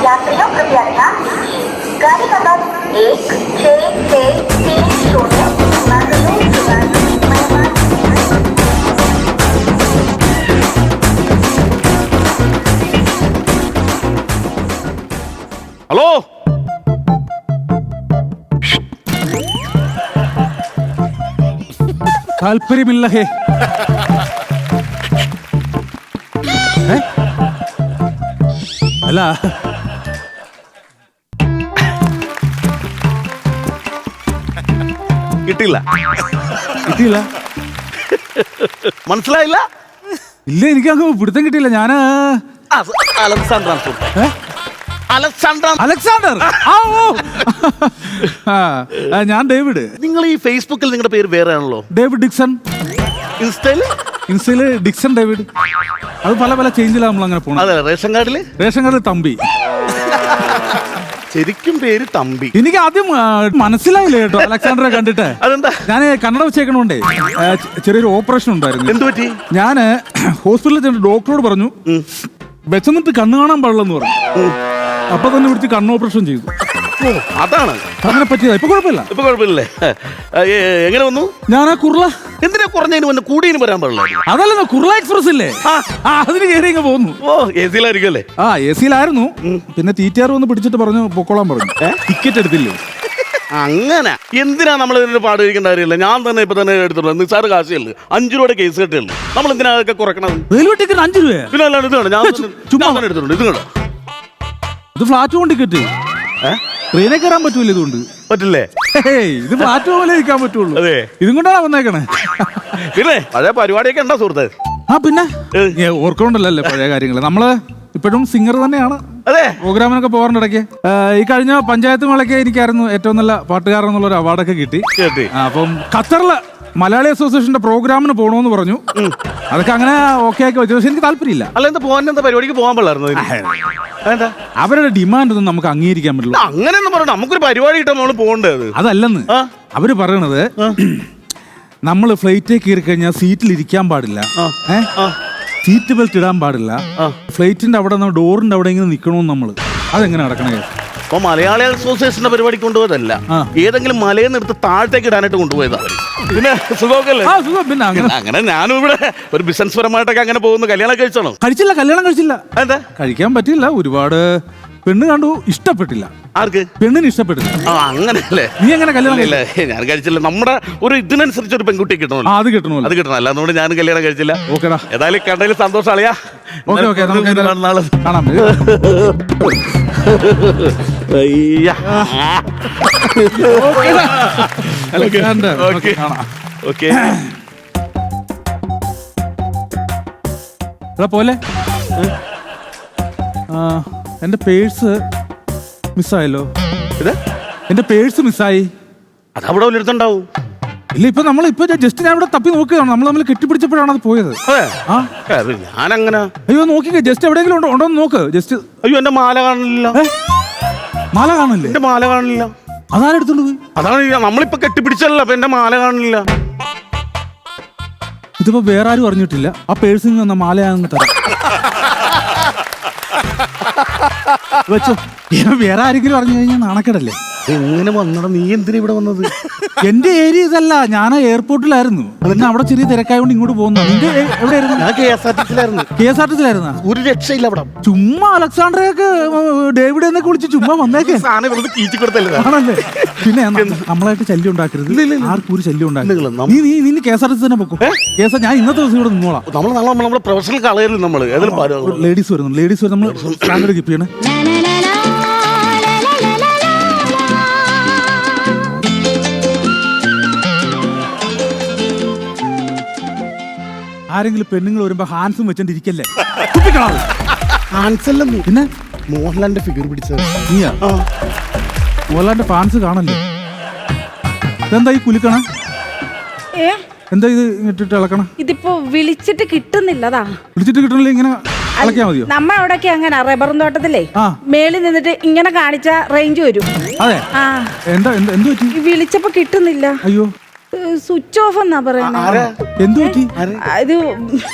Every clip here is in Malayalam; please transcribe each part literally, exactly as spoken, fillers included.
यात्रियों कृपया ध्यान दीजिए, गाड़ी नंबर एक छः छः तीन शून्य मंगलूर मेहमान। ഹലോ താല്പര്യമില്ല ഹേ ഏ? അല്ല കിട്ടില്ല കിട്ടിയില്ല മനസ്സിലായില്ല. ഇല്ല എനിക്കങ്ങ് പിടുത്തം കിട്ടിയില്ല ഞാന് അലക്സാണ്ടർ ഏ? അലക്സാണ്ടർ അലക്സാണ്ടർ ആ, ഓ. ആ, ആ, ഞാൻ ഡേവിഡ് നിങ്ങൾ ഈ ഫേസ്ബുക്കിൽ നിങ്ങളുടെ പേര് വേറെ ആണല്ലോ. David Dixon. ഇൻസ്റ്റയില് ഇൻസ്റ്റയില് ഡിക്സൺ ഡേവിഡ്. അത് പല പല ചേഞ്ചിലാണ് നമ്മൾ അങ്ങനെ പോണത്. അതെ, റേഷൻ കാർഡില് റേഷൻ കാർഡ് തമ്പി. ശരിക്കും പേര് തമ്പി. എനിക്ക് ആദ്യം ആ, മനസ്സിലായില്ല കേട്ടോ അലക്സാണ്ടറെ കണ്ടിട്ട്. അതെന്താ? ഞാൻ കന്നഡ വെച്ചേക്കണോണ്ടേ ആ, ചെ- ചെറിയൊരു ഓപ്പറേഷൻ ഉണ്ടായിരുന്നു. എന്തു പറ്റി? ഞാന് ഹോസ്പിറ്റലിൽ ചെന്ന് ഡോക്ടറോട് പറഞ്ഞു വെച്ചെന്നിട്ട് കണ്ണ് കാണാൻ പാടില്ലെന്ന് പറഞ്ഞു. അപ്പൊ തന്നെ വിളിച്ച് കണ്ണ് ഓപ്പറേഷൻ ചെയ്തു. ഓ, അതാണ് അങ്ങനെ പറ്റിയതാ. ഇപ്പൊ കുഴപ്പമില്ല. ഇപ്പൊ കുഴപ്പമില്ലേ? ഏ, എങ്ങനെ വന്നു? ഞാൻ ആ കുർള എന്തിനാ കുറഞ്ഞതിന് മുന്നേ കൂടിയതിന് വരാൻ പാടില്ല. അതല്ല കുർള എക്സ്പ്രസ് ഇല്ലേ, ആ. ആ, അതിന് കയറി ഇങ്ങ് പോന്നു. ഓ, എ സിയിലായിരിക്കും അല്ലേ? ആ എ സിയിലായിരുന്നു. പിന്നെ ടി ടി ആർ വന്ന് പിടിച്ചിട്ട് പറഞ്ഞു പൊക്കോളാൻ പറഞ്ഞു. ടിക്കറ്റ് എടുത്തില്ലേ. അങ്ങനെ എന്തിനാ നമ്മൾ ഇതിന്റെ പാട് കഴിക്കേണ്ട കാര്യമില്ല. ഞാൻ തന്നെ ഇപ്പൊ തന്നെ എടുത്തിട്ടുള്ളൂ. നിസ്സാര കാശുള്ളൂ, അഞ്ചു രൂപയുടെ കേസ് കെട്ടുള്ളൂ. നമ്മൾ എന്തിനാ അതൊക്കെ കുറക്കണത്? റെയിൽവേ ടിക്കറ്റ് അഞ്ചു രൂപ. പിന്നെ അല്ലാണ്ട് ഇത് കണ്ടോ, ഞാൻ തന്നെ- ചുമ്മാ. ഞാൻ തന്നെ എടുത്തിട്ടുണ്ട്. ഇത് കണ്ടോ? ഇത് ഫ്ലാറ്റ് കൊണ്ട് ടിക്കറ്റ്. ട്രെയിനെ കയറാൻ പറ്റൂല ഇതുകൊണ്ട്. പറ്റില്ലേ? ഹേയ്, ഇത് ഫ്ലാറ്റ് പോലെ ഇരിക്കാൻ പറ്റുള്ളൂ. അതെ. ഇതും കൊണ്ടാണ് വന്നേക്കണേ. പിന്നെ പഴയ പരിപാടിയൊക്കെ ഉണ്ടോ സുഹൃത്തെ? ആ പിന്നെ ഓർക്കണ്ടല്ലേ പഴയ കാര്യങ്ങള്. നമ്മള് ഇപ്പോഴും സിംഗർ തന്നെയാണ്. അതെ, പ്രോഗ്രാമിനൊക്കെ പോകാറുണ്ട് ഇടയ്ക്ക്. ഈ കഴിഞ്ഞ പഞ്ചായത്ത് മേളയ്ക്ക് എനിക്കായിരുന്നു ഏറ്റവും നല്ല പാട്ടുകാരൻ എന്നുള്ള ഒരു അവാർഡൊക്കെ കിട്ടി. കേട്ടി. ആ, അപ്പം ഖത്തറില് മലയാളി അസോസിയേഷന്റെ പ്രോഗ്രാമിന് പോകണമെന്ന് പറഞ്ഞു. അതൊക്കെ അങ്ങനെ ഓക്കെ ആക്കി വെച്ചു. പക്ഷെ എനിക്ക് താല്പര്യമില്ല. അല്ല, എന്താ പോകാൻ, എന്താ പരിപാടിക്ക് പോകാൻ പാടില്ലായിരുന്നു? എന്താ അവരുടെ ഡിമാൻഡ് ഒന്നും നമുക്ക് അംഗീകരിക്കാൻ പറ്റില്ല. അങ്ങനെയൊന്നും പറഞ്ഞു. നമുക്കൊരു പരിപാടി കിട്ടാൻ നമ്മൾ പോകേണ്ടത്. അതല്ലെന്ന് അവര് പറയണത്. നമ്മൾ ഫ്ലൈറ്റിൽ കയറി കഴിഞ്ഞാൽ സീറ്റിൽ ഇരിക്കാൻ പാടില്ല, സീറ്റ് ബെൽറ്റ് ഇടാൻ പാടില്ല, ഫ്ലൈറ്റിന്റെ അവിടെ ഡോറിന്റെ അവിടെ ഇങ്ങനെ നിൽക്കണമെന്ന് നമ്മള്. അതെങ്ങനെ നടക്കണേ? അപ്പൊ മലയാളി അസോസിയേഷന്റെ പരിപാടി കൊണ്ടുപോയതല്ല, ഏതെങ്കിലും മലയിൽ നിന്ന് എടുത്ത് താഴത്തേക്ക് ഇടാനായിട്ട് കൊണ്ടുപോയതാ. പിന്നെ സുഖമൊക്കെയല്ലേ? ആ, സുഖം. പിന്നെ അങ്ങനെ അങ്ങനെ ഞാനും ഇവിടെ ഒരു ബിസിനസ് പരമായിട്ടൊക്കെ അങ്ങനെ പോകുന്നു. കല്യാണം കഴിച്ചാണോ? കഴിച്ചില്ല, കല്യാണം കഴിച്ചില്ല. എന്താ കഴിക്കാൻ പറ്റില്ല. ഒരുപാട് പെണ്ണ് കണ്ടു, ഇഷ്ടപ്പെട്ടില്ല. ആർക്ക്? പെണ്ണിന് ഇഷ്ടപ്പെട്ടില്ല. ആ, അങ്ങനെയല്ലേ? നീ എങ്ങനെ കല്യാണം ഇല്ല, ഞാൻ കഴിച്ചില്ല. നമ്മുടെ ഒരു ഇതിനനുസരിച്ച് ഒരു പെൺകുട്ടി കിട്ടണമല്ലോ. ആ, അത് കിട്ടണമല്ലോ. അത് കിട്ടണം. അല്ലാന്നുകൊണ്ട് ഞാൻ കല്യാണം കഴിച്ചില്ല. ഓക്കെടാ. ഏതായാലും കണ്ടതിൽ സന്തോഷം അളിയാ. ഓക്കെ ഓക്കെ നമുക്ക് ഏതായാലും നാളെ കാണാം. അയ്യ. Alexander, okay. ഓക്കെ, കാണാം. ഓക്കെ. എടാ പോലെ ആ, എന്റെ പേഴ്സ് മിസ്സായല്ലോ. ഇത് എന്റെ പേഴ്സ് മിസ്സായി. അത് അവിടെ വല്ലയിടത്തുണ്ടാവും. ഇല്ല, ഇപ്പൊ നമ്മൾ ഇപ്പൊ ജസ്റ്റ് ഞാൻ ഇവിടെ തപ്പി നോക്കുകയാണ്. നമ്മൾ തമ്മിൽ കെട്ടിപ്പിടിച്ചപ്പോഴാണ് അത് പോയത്. അതെ. ആ, അത് ഞാനങ്ങനെ. അയ്യോ നോക്കിക്കേ, ജസ്റ്റ് എവിടെയെങ്കിലും ഉണ്ടോ ഉണ്ടോ എന്ന് നോക്ക്. ജസ്റ്റ്. അയ്യോ, എന്റെ മാല കാണില്ല. ഏ? മാല കാണില്ലേ? എന്റെ മാല കാണില്ല. അതാരെടുത്തോണ്ട് പോയി? അതാണ് ഈ നമ്മളിപ്പോ കെട്ടിപ്പിടിച്ചല്ലോ. അപ്പൊ എന്റെ മാല കാണില്ല. ഇതിപ്പോ വേറെ ആരും അറിഞ്ഞിട്ടില്ല. ആ പേഴ്സിൽ നിന്ന് മാലയാണെന്ന് തരാം. വെച്ചോ. വേറെ ആരെങ്കിലും അറിഞ്ഞു കഴിഞ്ഞാൽ നാണക്കേടല്ലേ? എങ്ങനെ വന്നടാ? നീ എന്തിനാ ഇവിടെ വന്നത്? എന്റെ ഏരിയ ഇതല്ല. ഞാൻ എയർപോർട്ടിലായിരുന്നു. പിന്നെ അവിടെ ചെറിയ തിരക്കായോണ്ട് ഇങ്ങോട്ട് പോകുന്നു. നിന്റെ എ- എവിടെയായിരുന്നു? ഞാൻ കെ എസ് ആർ ടി സിയിലായിരുന്നു. കെ എസ് ആർ ടി സിയിലായിരുന്ന? ഒരു രക്ഷയില്ല അവിടെ. ചുമ്മാ അലക്സാണ്ടറെയൊക്കെ ഡേവിഡ് എന്നൊക്കെ വിളിച്ച് ചുമ്മാ വന്നേക്കെ സാധനം വെറുതെ കീച്ചി കൊടുത്തല്ലേ. ആണല്ലേ? പിന്നെ ന- നമ്മളായിട്ട് ശല്യം ഉണ്ടാക്കരുത്. ആർക്കും ഒരു ശല്യം ഉണ്ടാക്കരുത്. ഇല്ല, നമ്മ- നീ നീ നിന്നെ K S R T C തന്നെ പൊക്കും. കേസ് ഞാൻ ഇന്നത്തെ ദിവസം ഇവിടെ നിന്നോളാം. നമ്മൾ നാളെ നമ്മളെ പ്രൊഫഷണൽ കളയരുത്. നമ്മള് ഏതായാലും ലേഡീസ് വരുന്നു. ലേഡീസ് വരും. നമ്മൾ സ്റ്റാൻഡേർഡ് കീപ്പ് ചെയ്യണേ. ആരെങ്കിലും പെണ്ണുങ്ങൾ വരുമ്പോ ഹാൻസും വെച്ചോണ്ടിരിക്കല്ലേ. കുപ്പിക്കളാവ്. ആൻസല്ലെന്ന് പിന്നെ മോഹൻലാലിന്റെ ഫിഗർ പിടിച്ചത് നീയാ? മോഹൻലാലിന്റെ ഫാൻസ് കാണല്ലേ? ഇതെന്താ ഈ കുലുക്കണ? ഏ എന്താ ഇത് ഇട്ടിട്ട് ഇളക്കണ? ഇതിപ്പോ വിളിച്ചിട്ട് കിട്ടുന്നില്ലതാ. വിളിച്ചിട്ട് കിട്ടണില്ല, ഇങ്ങനെ ഇളക്കിയാ മതിയോ? നമ്മ അവിടെയൊക്കെ അങ്ങനെ റബ്ബർ തോട്ടത്തിലേ ആ. മേളിൽ നിന്നിട്ട് ഇങ്ങനെ കാണിച്ച റേഞ്ച് വരും. അതെ. ആ എന്താ എന്ത് എന്ത് പറ്റി? വിളിച്ചപ്പോ കിട്ടുന്നില്ല. അയ്യോ, സ്വിച്ച് ഓഫ് എന്നാ പറയുന്നത്. എന്ത് പറ്റി? ഇത്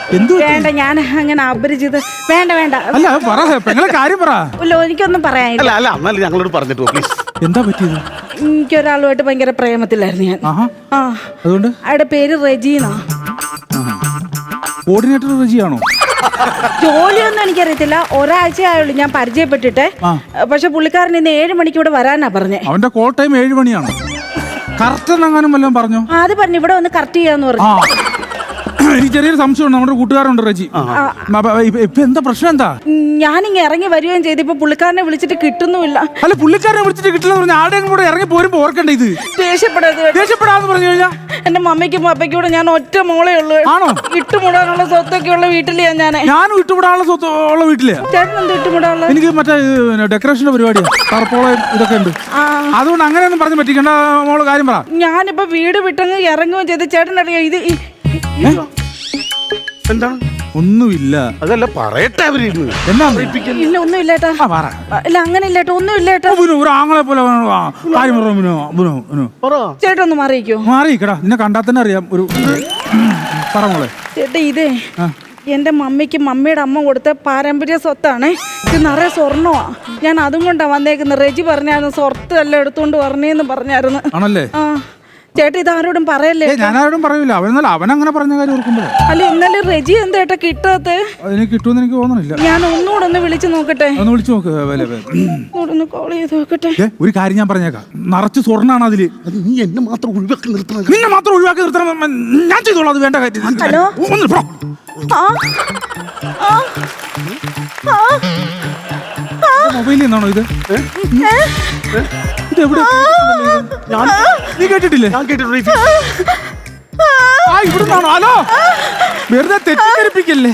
എന്ത് പറ്റി? വേണ്ട, ഞാൻ അങ്ങനെ അപരിചിത വേണ്ട വേണ്ട അല്ല പറ പെങ്ങളെ കാര്യം പറ. ഇല്ല, എനിക്കൊന്നും പറയാനില്ല. അല്ല അല്ല എന്നാലും ഞങ്ങളോട് പറഞ്ഞിട്ട് പോ പ്ലീസ്. എന്താ പറ്റിയത്? എനിക്കൊരാളുമായിട്ട് ഭയങ്കര പ്രേമത്തിലായിരുന്നു ഞാൻ. ആഹാ. ആ അതുകൊണ്ട് അയാളുടെ പേര് റെജീന. കോർഡിനേറ്റർ റജിയാണോ? ജോലിയൊന്നും എനിക്കറിയത്തില്ല, ഒരാഴ്ച ആയുള്ളൂ ഞാൻ പരിചയപ്പെട്ടിട്ട്. ആ. പക്ഷെ പുള്ളിക്കാരൻ ഇന്ന് ഏഴ് മണിക്ക് ഇവിടെ വരാനാ പറഞ്ഞേ. അവന്റെ കോൾ ടൈം ഏഴ് മണിയാണ്. കറക്റ്റ് എന്നെങ്ങാനും വല്ലതും പറഞ്ഞോ? ആ, അത് പറഞ്ഞു ഇവിടെ വന്ന് കറക്റ്റ് ചെയ്യാന്ന് ആ പറഞ്ഞു. എനിക്ക് ചെറിയൊരു സംശയമുണ്ട്. നമ്മുടെ കൂട്ടുകാരുണ്ട് റജി. ഇപ്പൊ എന്താ പ്രശ്നം എന്താ? ഞാനിങ്ങ ഇറങ്ങി വരികയും ചെയ്ത് ഇപ്പൊ പുള്ളിക്കാരനെ വിളിച്ചിട്ട് കിട്ടുന്നുമില്ല. അല്ല പുള്ളിക്കാരനെ വിളിച്ചിട്ട് കിട്ടില്ല പറഞ്ഞ ആരുടെയും കൂടെ ഇറങ്ങി പോരുമ്പോ ഓർക്കണ്ടേ ഇത്? ദേഷ്യപ്പെടരുത്. ദേഷ്യപ്പെടാന്ന് പറഞ്ഞു കഴിഞ്ഞാ എന്റെ മമ്മിക്കും പപ്പയ്ക്കും കൂടെ ഞാൻ ഒറ്റ മോളേ ഉള്ളൂ. ആണോ? ഇട്ടുമുടാനുള്ള സ്വത്തൊക്കെ ഉള്ള വീട്ടിലെയാ ഞാൻ. ഞാനും ഇട്ടുവിടാനുള്ള സ്വത്ത് ഉള്ള വീട്ടിലെ. ചേട്ടൻ എന്ത് ഇട്ടുമുടാനുള്ള? എനിക്ക് മറ്റേ ഡെക്കറേഷന്റെ പരിപാടിയാ, ടർപ്പോളം ഇതൊക്കെ ഉണ്ട്. അതുകൊണ്ട് അങ്ങനെയൊന്നും പറഞ്ഞു പറ്റിക്കണ്ട മോള്, കാര്യം പറ. ഞാനിപ്പോ വീട് വിട്ടങ്ങ് ഇറങ്ങുകയും ചെയ്ത് ചേട്ടൻ അറിയാം ഇത് ഈ- എന്താണ്? ഒന്നുമില്ല. അതല്ല പറയട്ടെ അവര് എന്നാ ഇല്ല ഒന്നും ഇല്ലേട്ടാ. ആ, പറ. ഇല്ല അങ്ങനെ ഇല്ലേട്ടാ, ഒന്നും ഇല്ലേട്ടാ. ഓ, ബിനു, ഒരു ആങ്ങളെ പോലെ ആ, കാര്യം പറ ബിനു, ബിനു, ബിനു. പറ. ചേട്ടൻ ഒന്ന് മാറിയിക്കോ. മാറിക്കടാ, നിന്നെ കണ്ടാൽ തന്നെ അറിയാം. ഒരു പറ മോളെ. ചേട്ടാ ഇതേ ആ. എന്റെ മമ്മിക്ക് മമ്മിയുടെ അമ്മ കൊടുത്ത പാരമ്പര്യ സ്വത്താണ്. ഇത് നിറയെ സ്വർണ്ണമാ. ഞാൻ അതും കൊണ്ടാ വന്നേക്കുന്നത്. റെജി പറഞ്ഞായിരുന്നു സ്വർത്ത് എല്ലാം എടുത്തോണ്ട് പറഞ്ഞേന്ന് പറഞ്ഞായിരുന്നു. ആണല്ലേ? ആ ചേട്ടാ ഇത് ആരോടും പറയല്ലേ. ഞാനാരോടും പറയൂല. അവനെന്നല്ല അവൻ അങ്ങനെ പറഞ്ഞ കാര്യം ഓർക്കുമ്പോഴേ. അല്ല ഇന്നലെ റെജി എന്തേട്ടാ കിട്ടാത്ത? അതിന് കിട്ടുമെന്ന് എനിക്ക് തോന്നണില്ല. ഞാൻ ഒന്നുകൂടെ ഒന്ന് വിളിച്ചു നോക്കട്ടെ. ഒന്ന് വിളിച്ചു നോക്ക്. വില വില. ഒന്ന് കോൾ ചെയ്ത് നോക്കട്ടെ. ഏ, ഒരു കാര്യം ഞാൻ പറഞ്ഞേക്കാം. നിറച്ച് സ്വർണ്ണാണ് അതില്. അത് നീ എന്നെ മാത്രം ഒഴിവാക്കി നിർത്തണം. നിന്നെ മാത്രം ഒഴിവാക്കി നിർത്തണം. ഞാൻ ചെയ്തോളാം, അത് വേണ്ട കാര്യം. ഹലോ? ഒന്ന് പോ. ആ ആ ആ മൊബൈലിൽ നിന്നാണോ ഇത്? ഇത് എവിടെ? ഞാൻ നീ കേട്ടിട്ടില്ലേ? ഞാൻ കേട്ടിട്ടുണ്ട്. ആ ഇവിടുന്നാണോ? ഹലോ, വെറുതെ തെറ്റിദ്ധരിപ്പിക്കല്ലേ.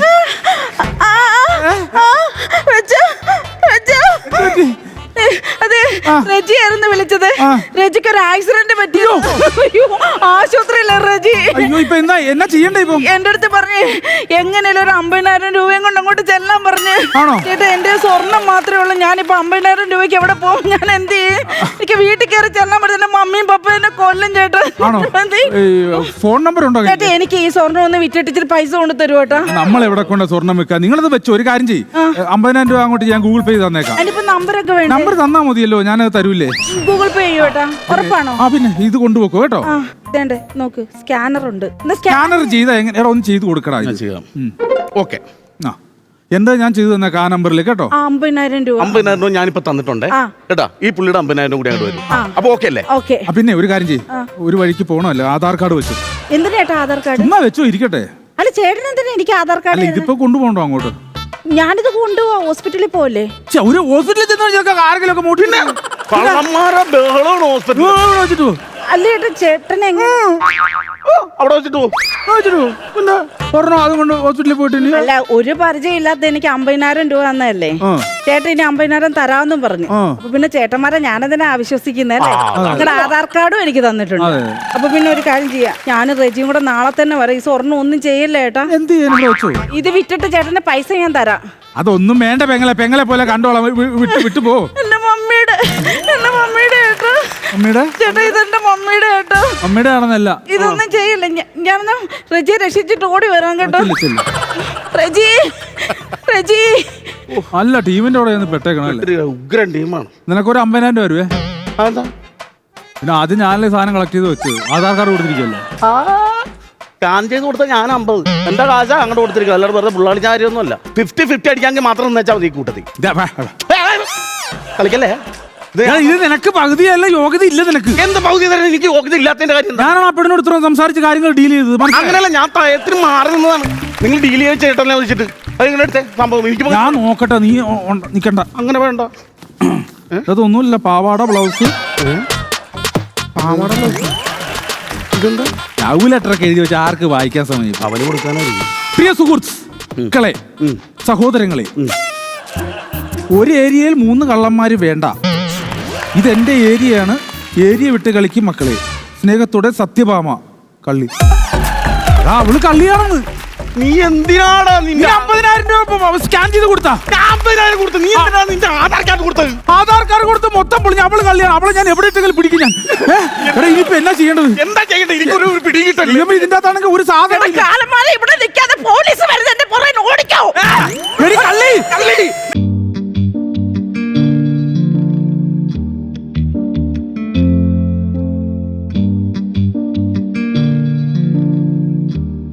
അതെ റെജി ആയിരുന്നു വിളിച്ചത്. ആ. റെജിക്ക് ഒരു ആക്സിഡന്റ് പറ്റിയോ? അയ്യോ, ആശുപത്രിയിലെ റെജി. അയ്യോ, ഇപ്പൊ എന്താ എന്നാ ചെയ്യണ്ടേ ഇപ്പൊ? എന്റെ അടുത്ത് പറഞ്ഞ് എങ്ങനെയാലും ഒരു അമ്പതിനായിരം രൂപയും കൊണ്ട് അങ്ങോട്ട് ചെല്ലാൻ പറഞ്ഞ്. ആണോ? ചേട്ടാ എന്റെ സ്വർണം മാത്രമേ ഉള്ളൂ. ഞാനിപ്പോ അമ്പതിനായിരം രൂപയ്ക്ക് എവിടെ പോകും? ഞാൻ എന്ത് ചെയ്യും? എനിക്ക് വീട്ടിൽ കയറി ചെല്ലാൻ പറ്റുന്ന മമ്മിയും പപ്പയും എന്നെ കൊല്ലും ചേട്ടാ. ആണോ? എന്ത് ചെയ്യും? ഫോൺ നമ്പർ ഉണ്ടോ? ചേട്ടാ എനിക്ക് ഈ സ്വർണം ഒന്ന് വിറ്റിട്ട് ഇച്ചിരി പൈസ കൊണ്ട് തരുമോ കേട്ടാ? നമ്മൾ എവിടെ കൊണ്ട് സ്വർണ്ണം വെക്കാം? നിങ്ങളത് വെച്ചോ. ഒരു കാര്യം ചെയ്യും, അമ്പതിനായിരം രൂപ അങ്ങോട്ട് ഞാൻ ഗൂഗിൾ പേ ചെയ്ത് തന്നേക്കാം. അതിനിപ്പോ നമ്പറൊക്കെ വേണം. നമ്പർ തന്നാ മതിയല്ലോ, ഞാനത് തരൂലേ. ഗൂഗിൾ പേ ചെയ്യോ കേട്ടാ? ഉറപ്പാണോ? ആ പിന്നെ ഇത് കൊണ്ടുപോക്കോ കേട്ടോ. ആ ഇതേണ്ടേ നോക്ക്, സ്കാനർ ഉണ്ട്. സ്കാനർ ചെയ്താ എങ്ങനെ? എടാ ഒന്ന് ചെയ്ത് കൊടുക്കടാ. ഞാൻ ചെയ്യാം. ഓക്കെ. ആ എന്താ ഞാൻ ചെയ്തു തന്നേക്ക ആ നമ്പറിൽ കേട്ടോ. ആ അമ്പതിനായിരം രൂപ. അമ്പതിനായിരം രൂപ ഞാനിപ്പോ തന്നിട്ടുണ്ടേ ആ. കേട്ടാ. ഈ പുള്ളിയുടെ അമ്പതിനായിരം കൂടി അങ്ങോട്ട് വരും. അപ്പൊ ഓക്കെ അല്ലേ? ഓക്കെ. ആ, പിന്നെ ഒരു കാര്യം ചെയ്യും, ഒരു വഴിക്ക് പോകണമല്ലോ, ആധാർ കാർഡ് വെച്ചു. എന്തിനാ ചേട്ടാ ആധാർ കാർഡ്? ചുമ്മാ വെച്ചോ, ഇരിക്കട്ടെ. അല്ല ചേട്ടൻ എന്തിനാ എനിക്ക് ആധാർ അല്ല കാർഡ്? ഇതിപ്പോ കൊണ്ടുപോകണ്ടോ അങ്ങോട്ട്? ഞാനിത് കൊണ്ടുപോവാ, ഹോസ്പിറ്റലിൽ പോവല്ലേ? ഛെ, ഒരു ഹോസ്പിറ്റലിൽ ചെന്ന് ആരെങ്കിലും ഒക്കെ മൂട്ടി കള്ളന്മാരെ ബഹളമാണ് ഹോസ്പിറ്റലിൽ വെച്ചിട്ട് പോ. അല്ല ചേട്ടാ ചേട്ടൻ എങ്ങനെ? അവിടെ വെച്ചിട്ട് പോകും. പിന്നെ പറഞ്ഞോ, അതും കൊണ്ട് ഹോസ്പിറ്റലിൽ പോയിട്ട്. അല്ല ഒരു പരിചയം ഇല്ലാത്ത എനിക്ക് അമ്പതിനായിരം രൂപ തന്നല്ലേ ആ. ചേട്ടൻ ഇനി അമ്പതിനായിരം തരാമെന്നും പറഞ്ഞു. ആ. അപ്പൊ പിന്നെ ചേട്ടന്മാരെ ഞാനതിനെ ആവിശ്വസിക്കുന്നല്ലേ. നിങ്ങളുടെ ആധാർ കാർഡും എനിക്ക് തന്നിട്ടുണ്ട്. അതെ. അപ്പൊ പിന്നെ ഒരു കാര്യം ചെയ്യാം, ഞാൻ റെജിയും കൂടെ നാളെ തന്നെ വരാം. ഈ സ്വർണ്ണം ഒന്നും ചെയ്യല്ലേ ചേട്ടാ. എന്ത് ചെയ്യാൻ വെച്ചോ? ഇത് വിറ്റിട്ട് ചേട്ടന്റെ പൈസ ഞാൻ തരാം. അതൊന്നും വേണ്ട പെങ്ങളെ, പെങ്ങളെ പോലെ കണ്ടോളാം. വി- വിട്ട് വിട്ടു പോ. എന്റെ മമ്മിയുടെ എന്റെ മമ്മിയുടെ ചേട്ടാ. അമ്മയുടെ ചേട്ടാ ഇതെന്റെ മമ്മിയുടെ ചേട്ടാ. അമ്മയുടെ ആണെന്നല്ല. ഇതൊന്നും ചെയ്യില്ല. ഞ- ഞാനൊന്ന് റെജിയെ രക്ഷിച്ചിട്ട് ഓടി വരാം കേട്ടോ. ചെല്ല്, ചെല്ല്. റെജി റെജി അല്ല ടീമിന്റെ അവിടെ ഒന്ന് പെട്ടേക്കണം അല്ലേ. ഒരു ഉഗ്രൻ ടീമാണ്. നിനക്കൊരു അമ്പതിനായിരം രൂപ വരുവേ. അതെന്താ? പിന്നെ ആദ്യം ഞാനല്ലേ സാധനം കളക്ട് ചെയ്ത് വെച്ച് ആധാർ കാർഡ് കൊടുത്തിരിക്കല്ലേ. സ്കാൻ ചെയ്ത് കൊടുത്താൽ ഞാൻ അമ്പത് എന്റെ കാശ അങ്ങോട്ട് കൊടുത്തിരിക്കുക. അല്ലാതെ വെറുതെ പുള്ളാളി ചാരിയൊന്നും അല്ല. ഫിഫ്റ്റി ഫിഫ്റ്റി അടിക്കാമെങ്കിൽ മാത്രം എന്ന് വെച്ചാൽ മതി ഈ കൂട്ടത്തിൽ. ഇതാ, വാ, വാ. കളിക്കല്ലേ? ഇത് എടാ, ഇത് നിനക്ക് പകുതിയല്ല യോഗ്യത ഇല്ല നിനക്ക്. എന്ത് പകുതി തരാൻ എനിക്ക് യോഗ്യത ഇല്ലാത്തതിന്റെ കാര്യം എന്താ? ഞാനാണ് ആ പെണ്ണിനോട് ഇത്രയും സംസാരിച്ച് കാര്യങ്ങൾ ഡീൽ ചെയ്തത്. മനസ്സിലായോ? അങ്ങനെയല്ല, ഞാൻ തയത്തിന് മാറി നിന്നതാണ്. നിങ്ങൾ ഡീൽ ചെയ്ത് ചേട്ടനെ വിളിച്ചിട്ട് അത് നിങ്ങളുടെ അടുത്ത് സംഭവം എനിക്ക് പോ- ഞാൻ നോക്കട്ടെ, നീ ഒ- ഒ- നിക്കണ്ട. അങ്ങനെ വേണ്ട. അതൊന്നുമില്ല, പാവാട ബ്ലൗസ്. പാവാട ഇതെന്താ? ലവ് ലെറ്റർ ഒക്കെ എഴുതി വെച്ച് ആർക്ക് വായിക്കാൻ സമയം? അവന് കൊടുക്കാനായിരിക്കും. പ്രിയ സുഹൃത്തുക്കളെ, സഹോദരങ്ങളെ, ഒരു ഏരിയയിൽ മൂന്ന് കള്ളന്മാര് വേണ്ട. ഇതെന്റെ ഏരിയയാണ്. ഏരിയ വിട്ട് കളിക്കും മക്കളെ. സ്നേഹത്തോടെ സത്യഭാമ കള്ളി. അതാ അവള് കള്ളിയാണെന്ന്. നീ എന്തിനാടാ നീ നിന്റെ അമ്പതിനായിരം രൂപ സ്കാൻ ചെയ്ത് കൊടുത്താ? അമ്പതിനായിരം കൊടുത്തു. നീ എന്തിനാ നിന്റെ ആധാർ കാർഡ് കൊടുത്തത്? ആധാർ കാർഡ് വീട്ടുകാർ കൊടുത്ത് മൊത്തം പൊളിഞ്ഞ അവള് കല്യാണം അവളെ ഞാൻ എവിടെ ഇട്ടെങ്കിലും പിടിക്കും ഞാൻ. ഏ? എടാ ഇനിയിപ്പോ എന്നാ ചെയ്യേണ്ടത്? എന്താ ചെയ്യണ്ടേ? എനിക്കൊരു പിടി കിട്ടില്ല. ദൈവമേ, ഇതിന്റെ അകത്താണെങ്കിൽ ഒരു സാധനം ഇല്ല. കാലന്മാരെ ഇവിടെ നിൽക്കാതെ പോലീസ് വരുന്നത് എന്റെ പുറകെ ഓടിക്കാവോ? എടി കള്ളി